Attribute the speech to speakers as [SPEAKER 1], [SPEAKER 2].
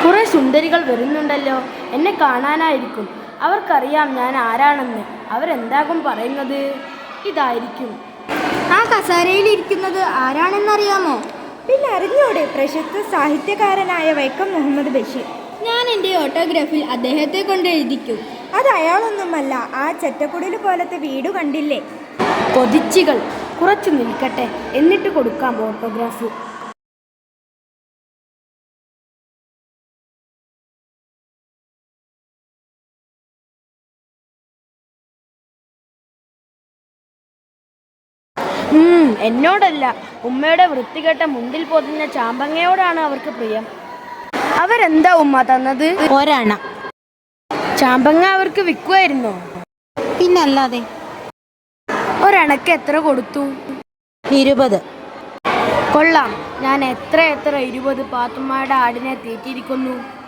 [SPEAKER 1] കുറെ സുന്ദരികൾ വരുന്നുണ്ടല്ലോ. എന്നെ കാണാനായിരിക്കും. അവർക്കറിയാം ഞാൻ ആരാണെന്ന്. അവരെന്താകും പറയുന്നത്? ഇതായിരിക്കും.
[SPEAKER 2] ആ കസേരയിൽ ഇരിക്കുന്നത് ആരാണെന്നറിയാമോ?
[SPEAKER 3] പിന്നെ അറിഞ്ഞോടെ, പ്രശസ്ത സാഹിത്യകാരനായ വൈക്കം മുഹമ്മദ് ബഷീർ.
[SPEAKER 2] ഞാൻ എൻ്റെ ഓട്ടോഗ്രാഫിൽ അദ്ദേഹത്തെ കൊണ്ട് എഴുതിക്കും.
[SPEAKER 3] അത് അയാളൊന്നുമല്ല, ആ ചെറ്റക്കുടിൽ പോലത്തെ വീട് കണ്ടില്ലേ?
[SPEAKER 1] കൊതിച്ചികൾ കുറച്ചു നിൽക്കട്ടെ, എന്നിട്ട് കൊടുക്കാം ഓട്ടോഗ്രാഫ്. എന്നോടല്ല, ഉമ്മയുടെ വൃത്തികെട്ട മുണ്ടിൽ പൊതിഞ്ഞ ചാമ്പങ്ങയോടാണ് അവർക്ക് പ്രിയം. അവരെന്താ ഉമ്മ തന്നത്?
[SPEAKER 2] ഒരണ.
[SPEAKER 1] ചാമ്പങ്ങ അവർക്ക് വിൽക്കുമായിരുന്നോ?
[SPEAKER 2] പിന്നല്ലാതെ.
[SPEAKER 1] ഒരണക്ക് എത്ര കൊടുത്തു?
[SPEAKER 2] 20.
[SPEAKER 1] കൊള്ളാം. ഞാൻ എത്ര 20 പാത്തുമ്മയുടെ ആടിനെ തീറ്റിയിരിക്കുന്നു.